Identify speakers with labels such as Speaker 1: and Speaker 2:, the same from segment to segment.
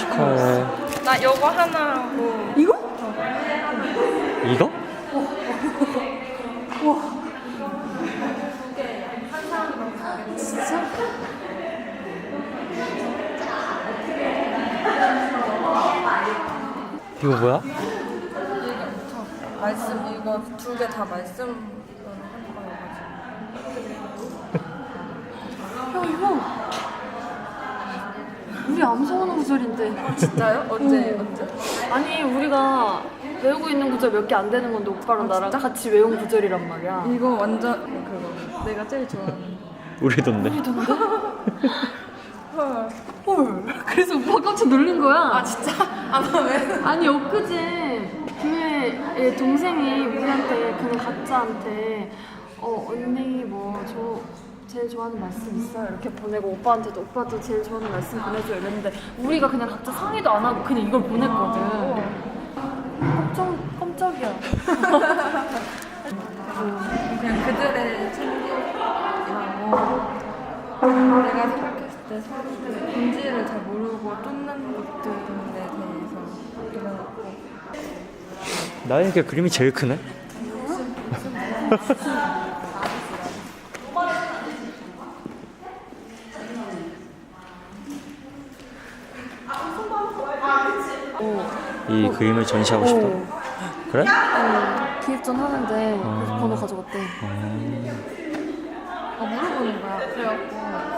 Speaker 1: 축하해.
Speaker 2: 나 요거 하나 하고.
Speaker 3: 이거?
Speaker 1: 이거?
Speaker 3: 와. 진짜?
Speaker 1: 이거 뭐야?
Speaker 2: 말씀 이거 두 개 다 말씀 하는 거여가지고.
Speaker 3: 야, 이거. 우리 암송하는 구절인데.
Speaker 2: 진짜요? 언제?
Speaker 3: 아니, 우리가 외우고 있는 구절 몇 개 안 되는 건데 오빠랑 나랑 같이 외운 구절이란 말이야.
Speaker 2: 이거 완전 그거 내가 제일 좋아하는.
Speaker 1: 우리던데.
Speaker 3: 헐. 그래서 오빠 깜짝 놀란 거야.
Speaker 2: 아 진짜? 나 왜?
Speaker 3: 아니, 엊그제 교회의 동생이 우리한테 그냥 각자한테 언니 뭐 제일 좋아하는 말씀 있어요? 이렇게 보내고 오빠한테도 오빠도 제일 좋아하는 말씀 보내줘 이랬는데 우리가 그냥 각자 상의도 안 하고 그냥 이걸 보냈거든. 깜짝이야.
Speaker 2: 그냥 그들의 챙기라고 내가 생각했을 때 서로들의 본질을 잘 모르고 쫓는 것들에 대해서 이래갖고
Speaker 1: 나에게 그림이 제일 크네. 이 그림을 전시하고 싶다. 그래?
Speaker 3: 기획전 하는데 그래서 번호 가져갔대.
Speaker 2: 물어보는 거야. 그래갖고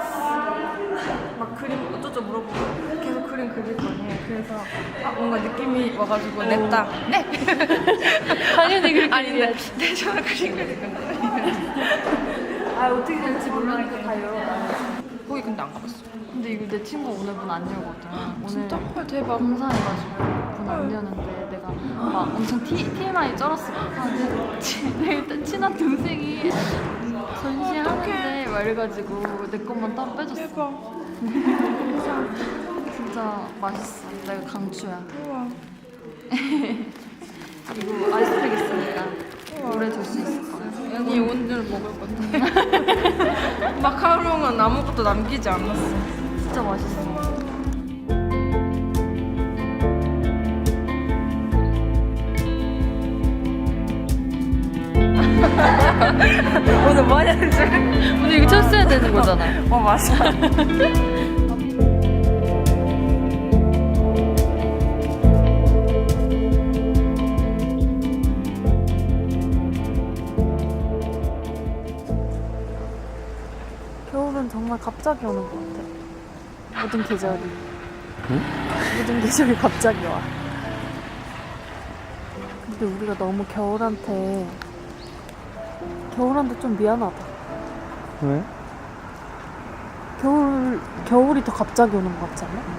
Speaker 2: 막 그림 어쩌죠 물어보고 계속 그림 그릴 거 아니에요. 그래서 뭔가 느낌이 와가지고 냈다. 네.
Speaker 3: 당연히 그렇게
Speaker 2: 아닌데 네 저는 그림 그릴 건데.
Speaker 3: 아, 어떻게 될지 모르니까 다 열어놔.
Speaker 2: 거기 근데 안 가봤어.
Speaker 3: 근데 이거 내 친구 오늘 문 안 열거든. 오늘
Speaker 2: 진짜? 헐 대박.
Speaker 3: 공사해가지고 문 안 여는데 내가 막 엄청 TMI 쩔었어. 일단 친한 동생이 전시하는데 막 이래가지고 내 것만 따로 빼줬어.
Speaker 2: 대박.
Speaker 3: 진짜 맛있어. 내가 강추야.
Speaker 2: 우와.
Speaker 3: 이거 아이스팩 있으니까 오래 둘 수 있을 거야.
Speaker 2: 아니 오늘 먹을 건데. 마카롱은 아무것도 남기지 않았어.
Speaker 3: 진짜 맛있어.
Speaker 2: 오늘 뭐 하냐는 줄.
Speaker 3: 오늘 이거 철수해야 되는 거잖아.
Speaker 2: 맞아.
Speaker 3: 겨울은 정말 갑자기 오는 것 같아. 모든 계절이.
Speaker 1: 응?
Speaker 3: 모든 계절이 갑자기 와. 근데 우리가 너무 겨울한테 좀 미안하다.
Speaker 1: 왜?
Speaker 3: 겨울이 더 갑자기 오는 것 같지 않아?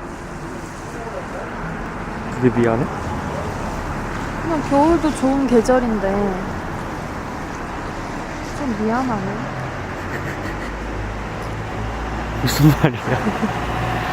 Speaker 1: 그게 미안해?
Speaker 3: 그냥 겨울도 좋은 계절인데 좀 미안하네.
Speaker 1: 무슨 말이야?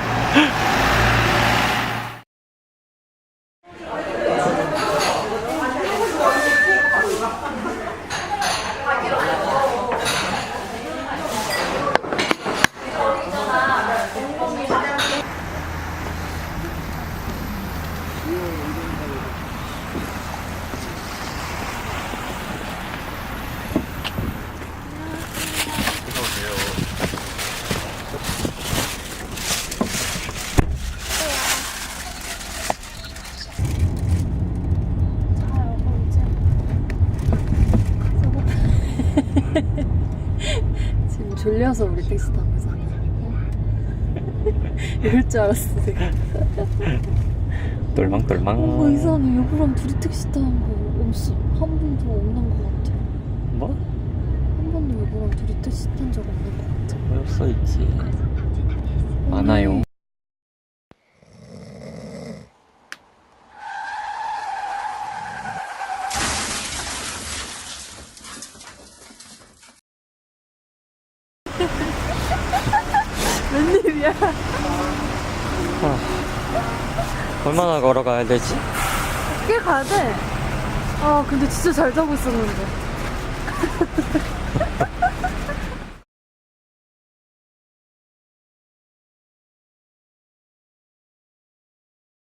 Speaker 3: 지금 졸려서 우리 택시 타고 있어. 이럴 줄 알았어 내가.
Speaker 1: 똘망똘망.
Speaker 3: 이 사람이 여보랑 둘이 택시 타는 거 없어. 한 번도 없는 것 같아.
Speaker 1: 뭐?
Speaker 3: 한 번도 여보랑 둘이 택시 탄 적 없는 것 같아.
Speaker 1: 왜 없어 있지? 많아요.
Speaker 3: 웬일이야?
Speaker 1: 얼마나 걸어가야 되지?
Speaker 3: 꽤 가야 돼. 아 근데 진짜 잘 자고 있었는데.